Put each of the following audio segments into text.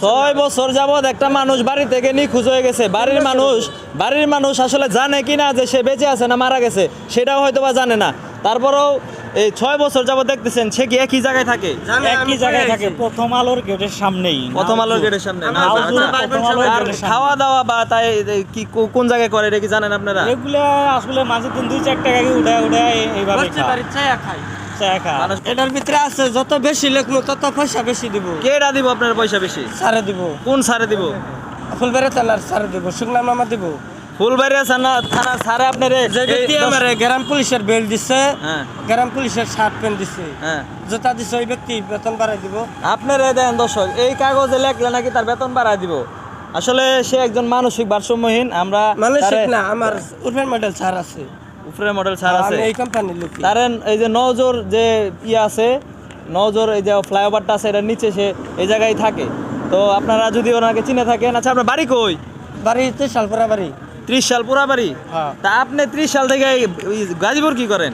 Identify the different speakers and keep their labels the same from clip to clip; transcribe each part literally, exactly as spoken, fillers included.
Speaker 1: ছয় বছর যাবৎ একটা মানুষ বাড়ি থেকে নিখোঁজ হয়ে গেছে। বাড়ির মানুষ বাড়ির মানুষ আসলে জানে কিনা যে সে বেঁচে আছে না মারা গেছে সেটাও হয়তো বা জানে না। তারপরেও এই ছয় বছর যাবৎ দেখতেছেন সে কি একই জায়গায় থাকে?
Speaker 2: একই জায়গায় থাকে, প্রথম আলোর গেটের সামনেই।
Speaker 1: প্রথম আলোর গেটের সামনে। না,
Speaker 2: নাওজুর
Speaker 1: আচ্ছা।
Speaker 2: প্রথম আলোর
Speaker 1: আর
Speaker 2: গেটের সামনে।
Speaker 1: খাওয়া দাওয়া বা তাই কি কো- কোন জায়গায় করে এটা কি জানেন আপনারা?
Speaker 2: এগুলা আসলে মাঝে দিন দুই চার টাকা উঠায় উঠায় এইভাবে
Speaker 3: বসতে পারি চায়া খাই।
Speaker 2: চা খা।
Speaker 1: মানুষ
Speaker 3: এটার ভিতরে আছে যত বেশি লেখবো তত পয়সা বেশি দিব।
Speaker 1: কেডা দিব আপনার পয়সা বেশি?
Speaker 3: সারে দিব,
Speaker 1: কোন সারে দিব?
Speaker 3: ফুলবেড়ে থানার সারে দিব, শুকনা মামা দিব।
Speaker 1: ফুলবাড়িয়া থানা থানা সারে আপনার
Speaker 3: যে ব্যক্তি আমার গ্রাম পুলিশের বেল দিচ্ছে,
Speaker 1: হ্যাঁ
Speaker 3: গ্রাম পুলিশের শার্ট প্যান্ট দিচ্ছে,
Speaker 1: হ্যাঁ
Speaker 3: জুতা দিচ্ছে, ওই ব্যক্তি বেতন বাড়াই দিব।
Speaker 1: আপনার দেন দর্শক এই কাগজে লেখলে নাকি তার বেতন বাড়ায় দিব। আসলে সে একজন মানসিক ভারসাম্যহীন। আমরা
Speaker 3: মানসিক
Speaker 1: তারে-
Speaker 3: না, আমার উর্ফের মডেল ছাড় আছে,
Speaker 1: উপরে মডেল ছাড় আছে।
Speaker 3: আমি এই কোম্পানির লোক।
Speaker 1: কারণ এই যে নজর যে ইয়ে আছে, নজর এই যে ফ্লাইওভারটা আছে এটার নিচে সে এই জায়গায় থাকে। তো আপনারা যদি ওনাকে চিনে থাকেন। আচ্ছা, আপনার বাড়ি কই?
Speaker 3: বাড়িতে শালপুরা বাড়ি।
Speaker 1: ত্রিশ সাল পুরা বাড়ি?
Speaker 3: হ্যাঁ।
Speaker 1: তা আপনি ত্রিশ সাল থেকে এই গাজীপুর কি করেন?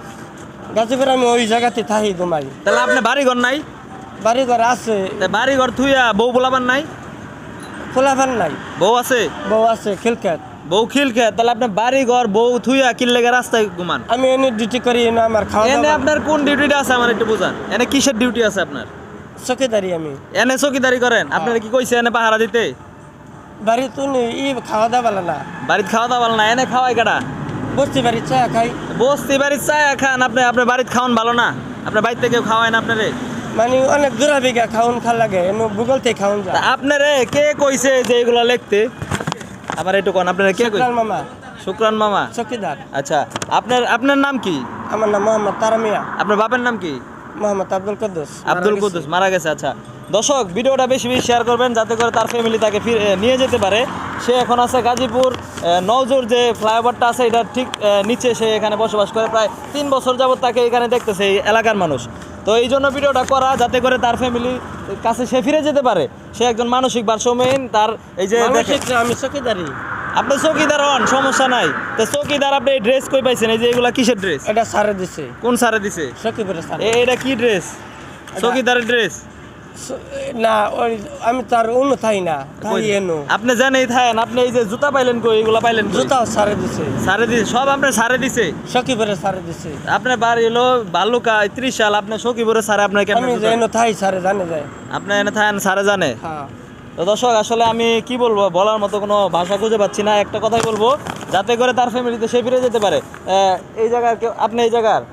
Speaker 3: গাজীপুর আমি ওই জায়গাতে থাকি ঘুমাই।
Speaker 1: তাহলে আপনি বাড়ি ঘর নাই?
Speaker 3: বাড়ি ঘর আছে,
Speaker 1: তা বাড়ি ঘর থুইয়া বউ পোলাবার নাই?
Speaker 3: খোলাফান নাই,
Speaker 1: বউ আছে?
Speaker 3: বউ আছে খিলখ্যাত।
Speaker 1: বউ খিল খেয়ে তাহলে আপনি বাড়ি ঘর বউ থুইয়া কিল্লেগে রাস্তায় ঘুমান?
Speaker 3: আমি এনে ডিউটি করি, এনে আমার খাওয়া
Speaker 1: এনে
Speaker 3: দাওয়া
Speaker 1: আপনার কোন ডিউটিটা আছে আমার একটু বুঝান। এনে কিসের ডিউটি আছে আপনার?
Speaker 3: চকিদারি। আমি
Speaker 1: এনে চকিদারি করেন? আপনারা কি কইছে এনে পাহারা দিতে?
Speaker 3: বাড়ি তো নেই, ই খাওয়া দাওয়া ভালো না,
Speaker 1: বাড়িতে খাওয়া দাওয়া ভালো না, এনে খাওয়াই কাটা?
Speaker 3: বসতে বাড়ি চা খাই।
Speaker 1: বস্তি বাড়ির চা খান আপনি? আপনার বাড়িতে খাওয়ান ভালো না? আপনার বাড়িতে কেউ খাওয়ায় না আপনারে?
Speaker 3: মানে অনেক দূরা বিঘা খাওন খা লাগে, এনে ভূগোল থেকে খাওন
Speaker 1: তা
Speaker 3: যায়।
Speaker 1: আপনারে কে কইছে যে এগুলো লিখতে? আমার একটু কোন আপনারা কে কইছে?
Speaker 3: শুক্রান মামা,
Speaker 1: শুক্রান মামা।
Speaker 3: চকিদার।
Speaker 1: আচ্ছা, আপনার আপনার নাম কি?
Speaker 3: আমার নাম মোহাম্মদ তারামিয়া।
Speaker 1: আপনার বাপের নাম কি?
Speaker 3: মোহাম্মদ আব্দুল কুদ্দুস।
Speaker 1: আব্দুল কুদ্দুস মারা গেছে। আচ্ছা দর্শক, ভিডিওটা বেশি বেশি শেয়ার করবেন যাতে করে তার ফ্যামিলি তাকে ফিরে নিয়ে যেতে পারে। সে এখন আছে গাজীপুর নওজোর যে ফ্লাইওভারটা আছে এটা ঠিক আহ, নিচে সে এখানে বসবাস করে। প্রায় তিন বছর যাবত তাকে এখানে দেখতেছে এই এলাকার মানুষ। তো এই জন্য ভিডিওটা করা যাতে করে তার ফ্যামিলির কাছে সে ফিরে যেতে পারে। সে একজন মানসিক ভারসাম্যহীন। তার এই যে দেখেন,
Speaker 3: মানসিক না, আমি চকিদারি।
Speaker 1: আপনি চৌকিদার হন, সমস্যা নাই। তো চৌকিদার আপনি ড্রেস কই পাইছেন? এই যে এগুলা কিসের ড্রেস?
Speaker 3: এটা সারে দিছে,
Speaker 1: কোন সারে দিছে?
Speaker 3: চকিপুরে সারে।
Speaker 1: এ- এটা কি ড্রেস? চৌকিদারের ড্রেস?
Speaker 3: স- না, ওই আমি তার অন্য থাই না, থাই এনো।
Speaker 1: আপনি জানেই থাকেন। আপনি এই যে জুতা পাইলেন কই? এগুলা পাইলেন কই?
Speaker 3: জুতাও সারে দিছে,
Speaker 1: সারে দিছে সব? আপনার সারে দিছে?
Speaker 3: চকিপুরে সারে দিছে।
Speaker 1: আপনার বাড়ি হলো বালুকা ত্রিশ সাল, আপনার সখীপুরে সারে আপনার কেন?
Speaker 3: আমি যে এনো থাই সারে জানে যায়।
Speaker 1: আপনি এনে থাকেন সারে জানে?
Speaker 3: হ্যাঁ।
Speaker 1: তো দর্শক, আসলে আমি কি বলবো, বলার মতো কোনো ভাষা খুঁজে পাচ্ছি না। একটা কথাই বলবো, যাতে করে তার ফ্যামিলিতে সে ফিরে যেতে পারে। আহ, এই জায়গার কেউ, আপনি এই জায়গার?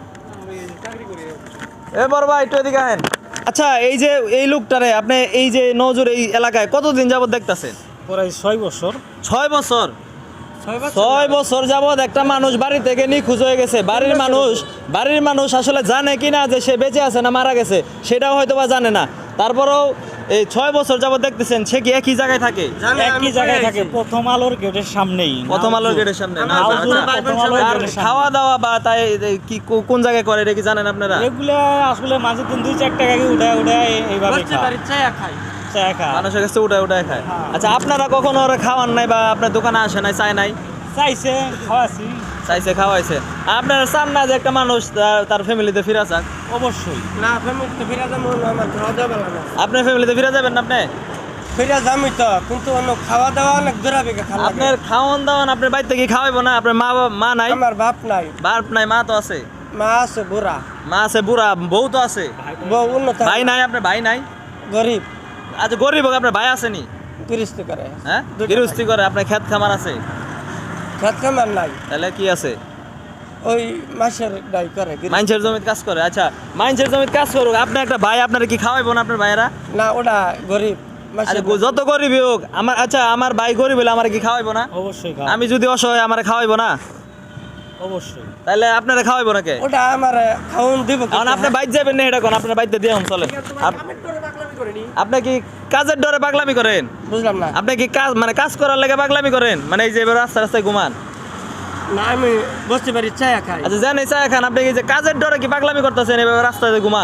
Speaker 1: এ বড় ভাই একটু এদিকে আহেন। আচ্ছা, এই যে এই লোকটারে আপনি এই যে নজর এই এলাকায় কতদিন যাবত দেখতাছেন?
Speaker 2: প্রায় ছয় বছর।
Speaker 1: ছয় বছর?
Speaker 3: ছয় বছর
Speaker 1: ছয় বছর যাবৎ একটা মানুষ বাড়ি থেকে নিখোঁজ হয়ে গেছে। বাড়ির মানুষ বাড়ির মানুষ আসলে জানে কিনা যে সে বেঁচে আছে না মারা গেছে সেটাও হয়তো বা জানে না। তারপরেও এই ছয় বছর যাবৎ দেখতেছেন সে কি একই জায়গায় থাকে?
Speaker 3: জানে, আমি
Speaker 2: একই জায়গায়
Speaker 3: পড়ে
Speaker 2: থাকে,
Speaker 3: আছি।
Speaker 2: প্রথম আলোর গেটের সামনেই।
Speaker 1: প্রথম আলোর গেটের সামনে? না,
Speaker 3: আমার
Speaker 1: আচ্ছা।
Speaker 2: নাওজুর প্রথম আলোর
Speaker 1: আর
Speaker 2: গেটের সামনে।
Speaker 1: খাওয়া দাওয়া বা তাই কি কো- কোন জায়গায় করে এটা কি জানেন আপনারা?
Speaker 2: এগুলা আসলে মাঝে দিন দুই চার টাকা উঠায় উঠায় এইভাবে
Speaker 3: বসতে বাড়ি চায়া খাই।
Speaker 2: চা খা।
Speaker 1: মানুষের কাছে উঠায় উঠায় খায়।
Speaker 2: হ্যাঁ।
Speaker 1: আচ্ছা, আপনারা কখনো ওরা খাওয়ান নাই বা আপনার দোকানে আসে নাই, চায় নাই?
Speaker 2: চাইছে, খাওয়াছি।
Speaker 1: চাইছে, খাওয়াইছে। আপনারা চান না যে একটা মানুষ তার- তার ফ্যামিলিতে ফিরে যাক?
Speaker 2: অবশ্যই।
Speaker 3: না, ফ্যামিলিতে ফিরে যাবো না, আমার খাওয়া দাওয়া ভালো না।
Speaker 1: আপনার ফ্যামিলিতে ফিরে যাবেন না আপনি?
Speaker 3: ফিরে যাবই তো, কিন্তু অন্য খাওয়া দাওয়া অনেক দূরা বিঘা খাওয়া লাগে।
Speaker 1: আপনার খাওয়ান দাওয়ান আপনার বাড়িতে কি খাওয়াইবো না? আপনার মা বাবা- মা নাই?
Speaker 3: আমার বাপ নাই,
Speaker 1: বাপ নাই, মা তো আছে।
Speaker 3: মা আছে বুড়া,
Speaker 1: মা আছে বুড়া, বউ তো আছে।
Speaker 3: বউ উন্নত,
Speaker 1: ভাই নাই আপনার? ভাই নাই?
Speaker 3: গরিব,
Speaker 1: আচ্ছা, গরিব হোক, আপনার ভাই আসেনি?
Speaker 3: গৃহস্থী করে।
Speaker 1: হ্যাঁ,
Speaker 3: দুইটা
Speaker 1: গৃহস্থী করে। আপনার ক্ষেত খামার আছে?
Speaker 3: খেত খামার নাই,
Speaker 1: তাহলে কি আছে?
Speaker 3: ওই মাসের ডাই করে। গৃহস্থী।
Speaker 1: মাইনসের জমিতে কাজ করে? আচ্ছা, মাইনসের জমিতে কাজ করুক। আপনার একটা ভাই, আপনার কি খাওয়াইবো না আপনার ভাইয়েরা?
Speaker 3: না, ওটা গরিব
Speaker 1: আচ্ছা,
Speaker 3: মাসের।
Speaker 1: যত গরিবই হোক আমার, আচ্ছা আমার ভাই গরিব হলে আমার কি খাওয়াইবো না?
Speaker 2: অবশ্যই খাও।
Speaker 1: আমি যদি অসহায় আমার খাওয়াইবো না?
Speaker 2: অবশ্যই।
Speaker 1: তাহলে আপনারা খাওয়াইবো না কে?
Speaker 3: ওটা আমার খাওন দিব।
Speaker 1: এখন আপনি বাইর যাবেন না, এটা কোন আপনার বাইতে দিয়ে হন চলেন। আপ- আপনি কি কাজের ডরে পাগলামি করেন?
Speaker 3: বুঝলাম না।
Speaker 1: আপনি কি কাজ মানে কাজ করার লেগে পাগলামি করেন? মানে এই যে এবার রাস্তা রাস্তায় ঘুমান?
Speaker 3: না, আমি বসতে পারি চায়া খাই।
Speaker 1: আচ্ছা, জানি চা খান, আপনি কি যে কাজের ডরে কি পাগলামি করতেছেন এভাবে রাস্তায় ঘুমান?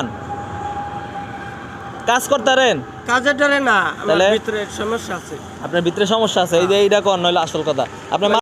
Speaker 1: কাজ করতারেন?
Speaker 3: কাজের ডরে না, আমার
Speaker 1: তাহলে?
Speaker 3: ভিতরে সমস্যা আছে।
Speaker 1: আপনার ভিতরে সমস্যা আছে, এই যে এইটা কর নইলে আসল কথা। আপনার